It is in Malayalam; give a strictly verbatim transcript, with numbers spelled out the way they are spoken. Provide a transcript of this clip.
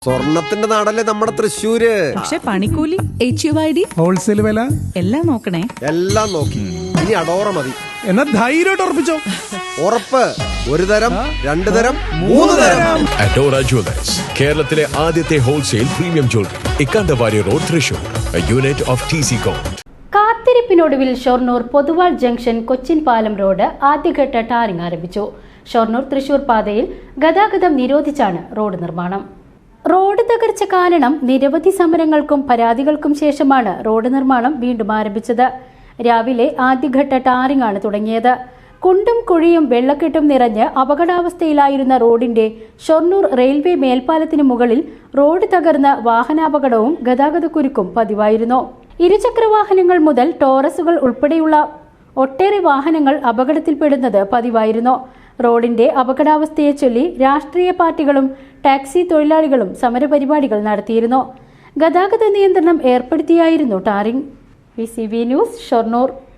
സ്വർണത്തിന്റെ നാടല്ലേ നമ്മുടെ തൃശ്ശൂര്. പക്ഷെ പണിക്കൂലി, H U I D, wholesale വില എല്ലാം നോക്കണേ. എല്ലാം നോക്കി. ഇനി അടോറ മതി. എന്നാ ധൈര്യമായിട്ട് ഉറപ്പിച്ചോ. ഉറപ്പ്. ഒരു തരം, രണ്ടു തരം, മൂന്ന് തരം. അഡോറ ജ്വല്ലേഴ്സ്, കേരളത്തിലെ ആദ്യത്തെ wholesale premium jewellery, Ikkandavari road, Thrissur. Unit of T C com. കാത്തിരിപ്പിനൊടുവിൽ ഷൊർണൂർ പൊതുവാൾ ജംഗ്ഷൻ കൊച്ചിൻ പാലം റോഡ് ആദ്യഘട്ട ടാറിംഗ് ആരംഭിച്ചു. ഷൊർണൂർ തൃശൂർ പാതയിൽ ഗതാഗതം നിരോധിച്ചാണ് റോഡ് നിർമ്മാണം. റോഡ് തകർച്ച കാരണം നിരവധി സമരങ്ങൾക്കും പരാതികൾക്കും ശേഷമാണ് റോഡ് നിർമ്മാണം വീണ്ടും ആരംഭിച്ചത്. രാവിലെ ആദ്യഘട്ട ടാറിംഗ് ആണ് തുടങ്ങിയത്. കുണ്ടും കുഴിയും വെള്ളക്കെട്ടും നിറഞ്ഞ് അപകടാവസ്ഥയിലായിരുന്ന റോഡിന്റെ ഷൊർണൂർ റെയിൽവേ മേൽപ്പാലത്തിനു മുകളിൽ റോഡ് തകർന്ന് വാഹനാപകടവും ഗതാഗതക്കുരുക്കും പതിവായിരുന്നു. ഇരുചക്ര വാഹനങ്ങൾ മുതൽ ടോറസുകൾ ഉൾപ്പെടെയുള്ള ഒട്ടേറെ വാഹനങ്ങൾ അപകടത്തിൽപ്പെടുന്നത് പതിവായിരുന്നു. റോഡിന്റെ അപകടാവസ്ഥയെ ചൊല്ലി രാഷ്ട്രീയ പാർട്ടികളും ടാക്സി തൊഴിലാളികളും സമരപരിപാടികൾ നടത്തിയിരുന്നു. ഗതാഗത നിയന്ത്രണം ഏർപ്പെടുത്തിയായിരുന്നു tarring. V C B news, Shoranur.